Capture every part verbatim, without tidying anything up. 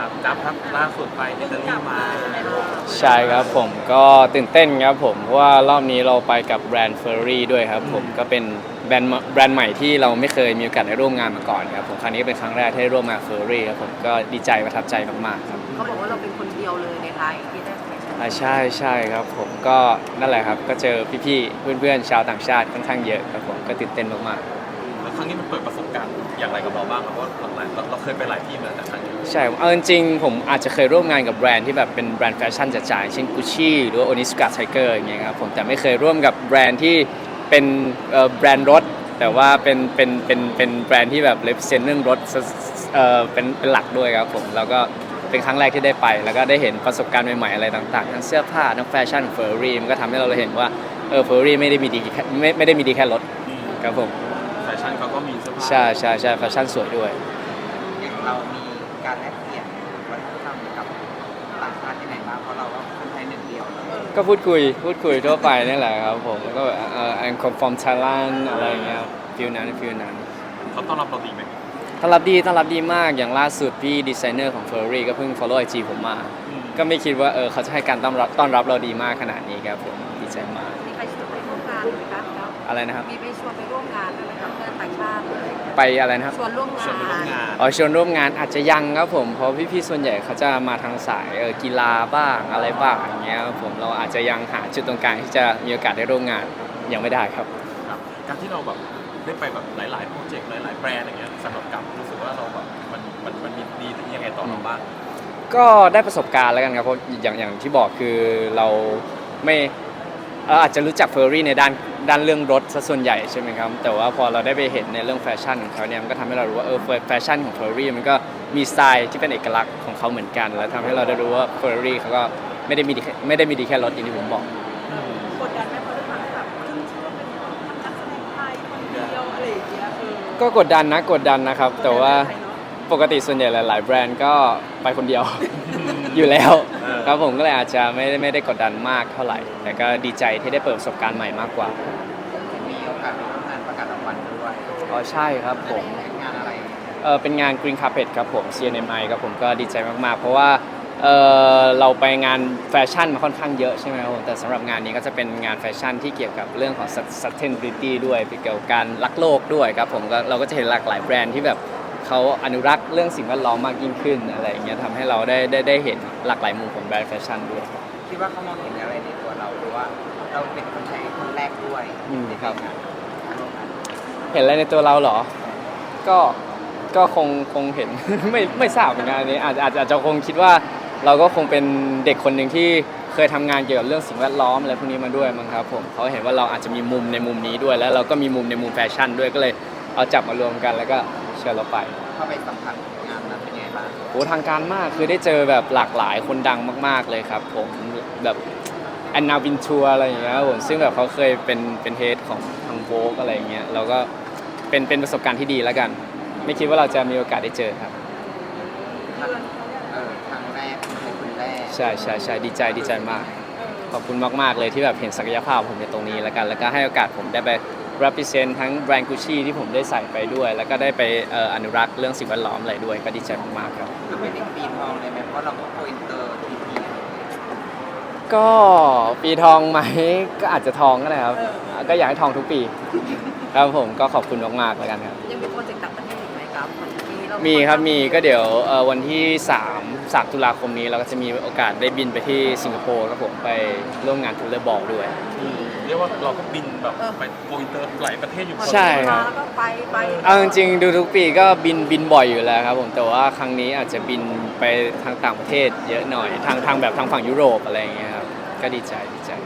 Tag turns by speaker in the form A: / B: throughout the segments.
A: จับครับล่าสุดไปอิตาลีมา
B: ใช่ครับผมก็ตื่นเต้นครับผมเพราะว่ารอบนี้เราไปกับแบรนด์เฟอร์รี่ด้วยครับผมก็เป็นแบรนด์แบรนด์ใหม่ที่เราไม่เคยมีโอกาสได้ร่วมงานมาก่อนครับผมครั้งนี้เป็นครั้งแรกที่ได้ร่วมงานเฟอร์รี่ครับผมก็ดีใจประทับใจมากๆครับ
C: เขาบอกว่าเราเป็นคนเดียวเลยในไทยที่ได้ไปใช่ไหม
B: อ่าใช่ใช่ครับผมก็นั่นแหละครับก็เจอพี่ๆเพื่อนๆชาวต่างชาติค่อนข้างเยอะครับผมก็ตื่นเต้นมากๆ
A: แล้วครั้งนี้มันเปิดประสบการณ์อย่างไรกับเราบ้างครับเพราะว่าหลังๆเราเราเคยไปหลายที่มาแต่ครั้งนี้
B: ใช่เอาจริงๆผมอาจจะเคยร่วมงานกับแบรนด์ที่แบบเป็นแบรนด์แฟชั่นจ๋าๆเช่น Gucci หรือว่า Onitsuka Tiger อย่างเงี้ยครับผมแต่ไม่เคยร่วมกับแบรนด์ที่เป็นเอ่อแบรนด์รถแต่ว่าเป็นเป็นเป็นเป็นแบรนด์ที่แบบ represent เรื่องรถเอ่อเป็นเป็นหลักด้วยครับผมแล้วก็เป็นครั้งแรกที่ได้ไปแล้วก็ได้เห็นประสบการณ์ใหม่ๆอะไรต่างๆทั้งเสื้อผ้าทั้งแฟชั่นเฟอร์รี่มันก็ทำให้เราเห็นว่าเออเฟอร์รี่ไม่ได้มีดีแค่ไม่ไม่ได้มีดีแค่รถครับผม
A: แฟชั่นเขาก็มีเสื้อผ้า
B: ใช่ใช่ใช่แฟชั่นสวยด้วย
D: อย่างเรามีการแลกเปลี่ยนวัฒนธรรมกับต่างชาติที่ไหนบ้างเพราะเราก็คนไทยหนึ่งเดียวเลย
B: ก็พูดคุยพูดคุยทั่วไปนี่แหละครับผมแล้วก็แบบเอ่อ I'm come from Thailand อะไรอย่างเงี้ยฟิลนั้นฟิลนั้น
A: เขาต้อนรับเราดีไหม
B: ต้อนรับดีต้อนรับดีมากอย่างล่าสุดพี่ดีไซเนอร์ของ Ferrari ก็เพิ่ง follow ไอ จี ผมมาก็ไม่คิดว่าเออเขาจะให้การต้อนรับต้อนรับเราดีมากขนาดนี้ครับผมดีใจมาก
C: มีใครชวนไปร่วมงานไหมครับครับ
B: อะไรนะครับ
C: มีไปชวนไปร่วมงานด้วยไหมครับเพื่อนต่างชาติเลย
B: ไปอะไรนะครับ
C: ชวนร่วมงาน
A: ชวนไปร่วมงาน
B: อ๋อชวนร่วมงานอาจจะยังครับผมเพราะพี่ๆส่วนใหญ่เขาจะมาทางสายเออกีฬาบ้างอะไรบ้างอย่างเงี้ยครับผมเราอาจจะยังหาจุดตรงกลางที่จะมีโอกาสได้ร่วมงานยังไม่ได้ครับ
A: ครับการที่เราแบบได้ไปแบบหลายๆโปรเจกต์หลายๆแบรนด์อย่างเงี้ยสำหรับกับรู้สึกว่าเราแบบมันมันมันมีดียังไงต่อเราบ้าง
B: ก็ได้ประสบการณ์แล้วกันครับเพราะอย่างอย่างที่บอกคือเราไม่เอ่ออาจจะรู้จักเฟอร์รี่ในด้านด้านเรื่องรถซะส่วนใหญ่ใช่ไหมครับแต่ว่าพอเราได้ไปเห็นในเรื่องแฟชั่นของเขาเนี่ยมันก็ทำให้เรารู้ว่าเออแฟชั่นของเฟอร์รี่มันก็มีสไตล์ที่เป็นเอกลักษณ์ของเขาเหมือนกันแล้วทำให้เราได้รู้ว่าเฟอร์รี่เขาก็ไม่ได้มีดีไม่ได้มีดีแค่รถอย่างที่ผมบอก
C: กดดันไหมเพราะด้วยความที่แบบขึ้นชื่อว่าเป็นนักแสดงไทยคนเดียวอะไรอย่างเงี้ยเออ
B: ก็กดดันนะกดดันนะครับแต่ว่าปกติส่วนใหญ่หลายๆแบรนด์ก็ไปคนเดียว อยู่แล้วครับผมก็เลยอาจจะไม่ได้ไม่ได้กดดันมากเท่าไหร่แต่ก็ดีใจที่ได้เปิดประสบการณ์ใหม่มากกว่า
D: มีโอกาสไปร่วมงานประกาศรางวัลด้วย
B: อ๋อใช่ครับผม
D: งานอะไร
B: เออเป็นงาน Green Carpet ครับผม ซี เอ็น เอ็ม ไอ ครับผมก็ดีใจมากๆเพราะว่าเออเราไปงานแฟชั่นมาค่อนข้างเยอะใช่ไหมครับผมแต่สำหรับงานนี้ก็จะเป็นงานแฟชั่นที่เกี่ยวกับเรื่องของ sustainability ด้วยเกี่ยวกับการรักโลกด้วยครับผมก็เราก็จะเห็นหลากหลายแบรนด์ที่แบบเขาอนุรักษ์เรื่องสิ่งแวดล้อมมากยิ่งขึ้นอะไรอย่างเงี้ยทำให้เราได้ได้ได้เห็นหลากหลายมุมของแบรนด์แฟชั่นด้วย
D: คิดว่าเขามองเห็นอะไรในตัวเราหรือว่าเราเป็นคนไทยคนแรกด้วย
B: ในครับเห็นอะไรในตัวเราเหรอก็ก็คงคงเห็น ไม่ไม่ทราบเหมือนกันอันนี้อาจอาจอาจจะคงคิดว่าเราก็คงเป็นเด็กคนหนึ่งที่เคยทำงานเกี่ยวกับเรื่องสิ่งแวดล้อมอะไรพวกนี้มาด้วยมั้งครับผมเขาเห็นว่าเราอาจจะมีมุมในมุมนี้ด้วยแล้วเราก็มีมุมในมุมแฟชั่นด้วยก็เลยเอาจับมารวมกันแล้วก็เชิญเราไป
D: เข้าไปสัมผัสงานนั้นเป็นยังไงบ้าง
B: โอ้ทางการมากคือได้เจอแบบหลากหลายคนดังมากๆเลยครับผมแบบแอนนาวินทัวอะไรอย่างเงี้ยผมซึ่งแบบเขาเคยเป็นเป็นเฮดของทางโวกอะไรอย่างเงี้ยเราก็เป็นเป็นประสบการณ์ที่ดีแล้วกันไม่คิดว่าเราจะมีโอกาสได้เจอครับ
D: เออครั้งแรกเป็นคนแรก
B: ใช่ใช่ใช่ดีใจดีใจมากขอบคุณมากๆเลยที่แบบเห็นศักยภาพผมในตรงนี้แล้วกันแล้วก็ให้โอกาสผมได้ไป represent ทั้งแบรนด์ Gucci ที่ผมได้ใส่ไปด้วยแล้วก็ได้ไปอนุรักษ์เรื่องสิ่งแวดล้อมอะไรด้วยก็ดีใจมากๆครับ
D: คือเป็นปีทองเลยไหมเพราะเราก็โกอินเตอร์ทีพี
B: ก็ปีทองไหมก็อาจจะทองก็ได้ครับก็อยากให้ทองทุกปีครับผมก็ขอบคุณมากๆแล้วกันครับ
C: ยังมีโปรเจกต์ต่างประเทศอีกไหมครับ
B: มีครับมีก็เดี๋ยววันที่สามตุลาคมนี้เราก็จะมีโอกาสได้บินไปที่สิงคโปร์ครับผมไปร่วมงานทูเลอร์บอลด้วย
A: เรียกว่าเราก็บินแบบไปโกอินเตอร์หลายประเทศอยู่
B: ใช่ครับ
C: แล้วก็ไปไป
B: เอาจริงๆดูทุกปีก็บินบินบ่อยอยู่แล้วครับผมแต่ว่าครั้งนี้อาจจะบินไปทางต่างประเทศเยอะหน่อยทางทางแบบทางฝั่งยุโรปอะไรอย่างเงี้ยครับก็ดีใจดีใจ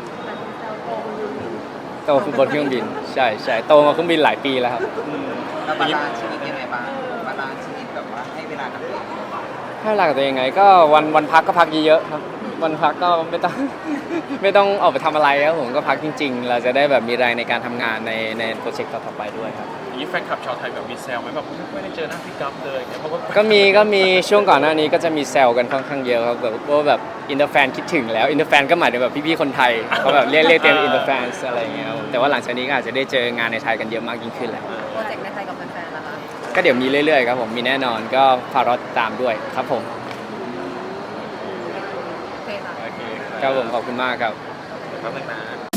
B: โตคือบนเครื่องบินใช่ใช่โตมาเครื่องบินหลายปีแล้วครับ
D: แล้วบาลานซ์ชีวิตยังไงบ้างบาลานซ์ชีวิตแบบว่าให้เวลากับตัวเอง
B: ให้เวลากับตัวเองไงก็วันวันพักก็พักเยอะๆครับวันพักก็ไม่ต้อง ไม่ต้องออกไปทำอะไรครับผมก็พักจริงๆเราจะได้แบบมีแรงในการทำงานในในโปรเจกต์ต่อๆไปด้วยครับ
A: นี่แฟนคลับชาวไทยแบบมีแซวไหมแบบไม่ได้เจอหน้าพี่กัฟเลยเพราะว่า
B: ก็มีก็มีช่วงก่อนหน้านี้ก็จะมีแซวกันค่อนข้างเยอะครับแบบว่าแบบอินเตอร์แฟนคิดถึงแล้วอินเตอร์แฟนก็หมายถึงแบบพี่ๆคนไทยเขาแบบเรียกเรียกเต็มอินเตอร์แฟนอะไรอย่างเงี้ยแต่ว่าหลังจากนี้ก็อาจจะได้เจองานในไทยกันเยอะมากยิ่งขึ้นแหละ
C: โปรเจกต์ในไทยกับแฟนๆล่ะคะ
B: ก็เดี๋ยวมีเรื่อยๆครับผมมีแน่นอนก็ฝากรอติดตามด้วยครับผม
C: อค่ะ
A: โอเค
B: ครับผมขอบคุณมากครับ
A: แป๊บนึงนะ